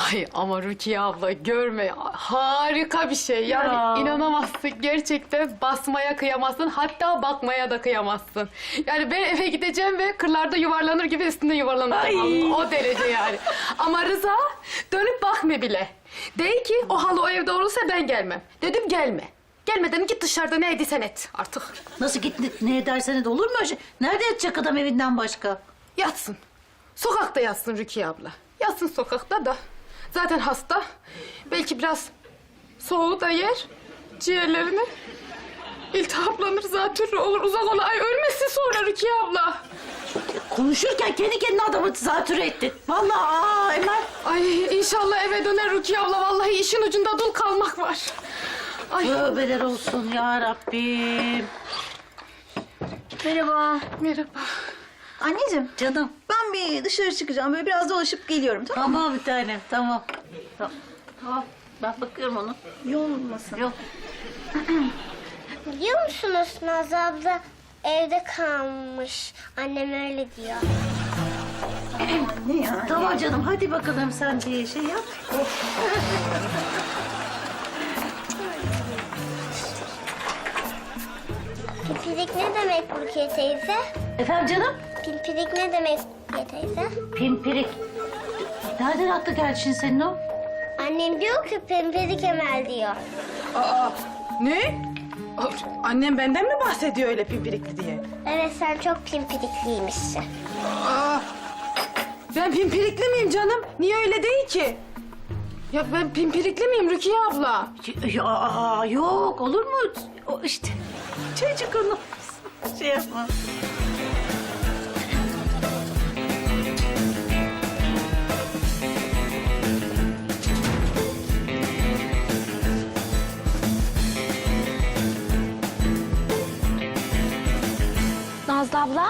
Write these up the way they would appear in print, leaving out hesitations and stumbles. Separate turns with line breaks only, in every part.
Ay ama Rukiye abla görme harika bir şey. Yani
Ya.
inanamazsın gerçekten basmaya kıyamazsın hatta bakmaya da kıyamazsın. Yani ben eve gideceğim ve kırlarda yuvarlanır gibi üstünde yuvarlanacağım.
Ay.
O derece yani. Ama Rıza dönüp bakma bile. De ki o halı o evde olursa ben gelmem. Dedim gelme. Gelmeden git dışarıda ne ediysen et artık.
Nasıl git ne edersen de olur mu öyle şey? Nerede yatacak adam evinden başka?
Yatsın. Sokakta yatsın Rukiye abla. Yatsın sokakta da. Zaten hasta. Belki biraz soğuğu da yer. Ciğerlerini. İltihaplanır zatürre olur. Uzak ola. Ay ölmesin sonra Rukiye abla.
Konuşurken kendi kendine adamı zatürre ettin. Vallahi Emel.
Ay inşallah eve döner Rukiye abla. Vallahi işin ucunda dul kalmak var. Ay
Tövbeler olsun ya Rabbim.
Merhaba.
merhaba.
Anneciğim,
Canım.
ben bir dışarı çıkacağım. Böyle biraz dolaşıp geliyorum, tamam mı?
Tamam bir tanem tamam. Tamam. Ben bakıyorum onu.
Yoğun olmasın.
Yok.
Biliyor musunuz Nazlı abla evde kalmış. Annem öyle diyor.
Ne ya?
Tamam canım hadi bakalım sen bir şey yap.
Pimpirik ne demek Rukiye teyze?
Efendim canım?
Pimpirik ne demek Rukiye teyze?
Pimpirik. Nereden aklı geldi şimdi senin o?
Annem diyor ki pimpirik Emel diyor.
Aa, ne? Annem benden mi bahsediyor öyle pimpirikli diye?
Evet sen çok pimpirikliymişsin.
Aa, ben pimpirikli miyim canım? Niye öyle değil ki?
Ya ben pimpirikli miyim Rukiye abla?
Ya yok olur mu? O işte çocuk onu şey yapma.
Nazlı abla,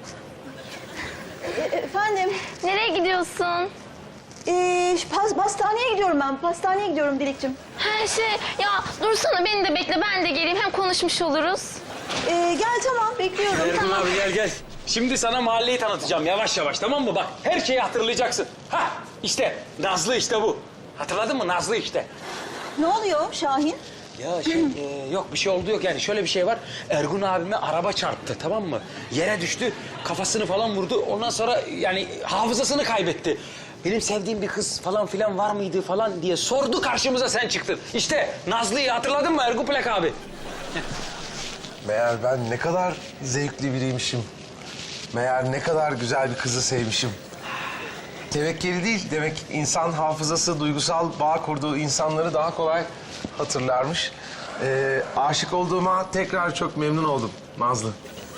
Efendim,
nereye gidiyorsun?
pastaneye gidiyorum ben. Pastaneye gidiyorum Dilekçim.
Her şey, ya dursana beni de bekle, ben de geleyim. Hem konuşmuş oluruz.
Gel tamam, bekliyorum.
Ergun abi gel gel. Şimdi sana mahalleyi tanıtacağım yavaş yavaş tamam mı? Bak her şeyi hatırlayacaksın. Ha işte Nazlı işte bu. Hatırladın mı Nazlı işte.
Ne oluyor Şahin?
Ya yok bir şey oldu yok yani şöyle bir şey var. Ergun abime araba çarptı tamam mı? Yere düştü kafasını falan vurdu. Ondan sonra yani hafızasını kaybetti. Benim sevdiğim bir kız falan filan var mıydı falan diye sordu karşımıza sen çıktın. İşte Nazlı'yı hatırladın mı Ergun Plak abi?
Meğer ben ne kadar zevkli biriymişim. Meğer ne kadar güzel bir kızı sevmişim. Tevekkeli değil, demek insan hafızası, duygusal bağ kurduğu insanları daha kolay hatırlarmış. Aşık olduğuma tekrar çok memnun oldum Nazlı.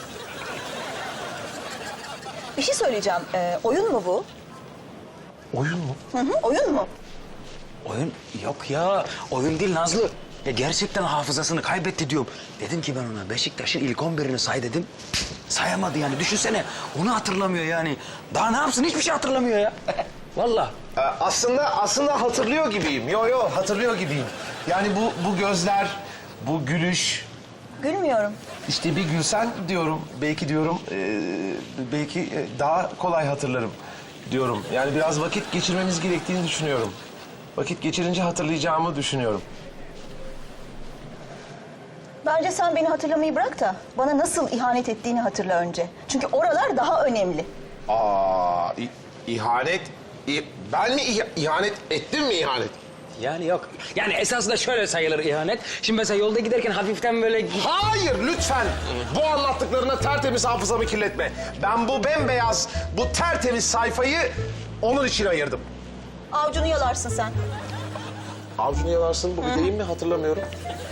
Bir şey söyleyeceğim. Oyun mu bu?
Oyun mu?
Hı hı, oyun mu?
Oyun yok ya. Oyun değil Nazlı. Ya gerçekten hafızasını kaybetti diyorum. Dedim ki ben ona Beşiktaş'ın ilk 11'ini say dedim. Sayamadı yani. Düşünsene. Onu hatırlamıyor yani. Daha ne yapsın? Hiçbir şey hatırlamıyor ya. Vallahi.
Aslında hatırlıyor gibiyim. Yo hatırlıyor gibiyim. Yani bu gözler, bu gülüş.
Gülmüyorum.
İşte bir gülsen diyorum, belki diyorum, belki daha kolay hatırlarım diyorum. Yani biraz vakit geçirmemiz gerektiğini düşünüyorum. Vakit geçirince hatırlayacağımı düşünüyorum.
Bence sen beni hatırlamayı bırak da bana nasıl ihanet ettiğini hatırla önce. Çünkü oralar daha önemli.
İhanet? Ben mi ihanet ettim mi ihanet?
Yani yok. Yani esasında şöyle sayılır ihanet. Şimdi mesela yolda giderken hafiften böyle...
Hayır lütfen. Bu anlattıklarına tertemiz hafızamı kirletme. Ben bu bembeyaz, bu tertemiz sayfayı onun için ayırdım.
Avcunu yalarsın sen.
Avcunu yalarsın bu bir deyim mi hatırlamıyorum.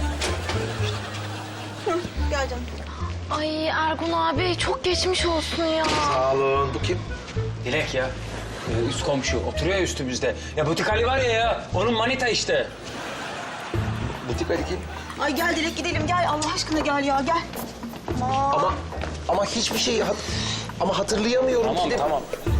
Gel canım.
Ay Ergun abi, çok geçmiş olsun ya.
Sağ olun. Bu kim?
Dilek ya. Üst komşu. Oturuyor ya üstümüzde. Ya Butik Ali var ya. Onun manita işte.
Butik Ali kim?
Ay gel Dilek gidelim gel Allah aşkına gel ya gel.
Ama hiçbir şeyi ama hatırlayamıyorum
Tamam
ki de.
tamam.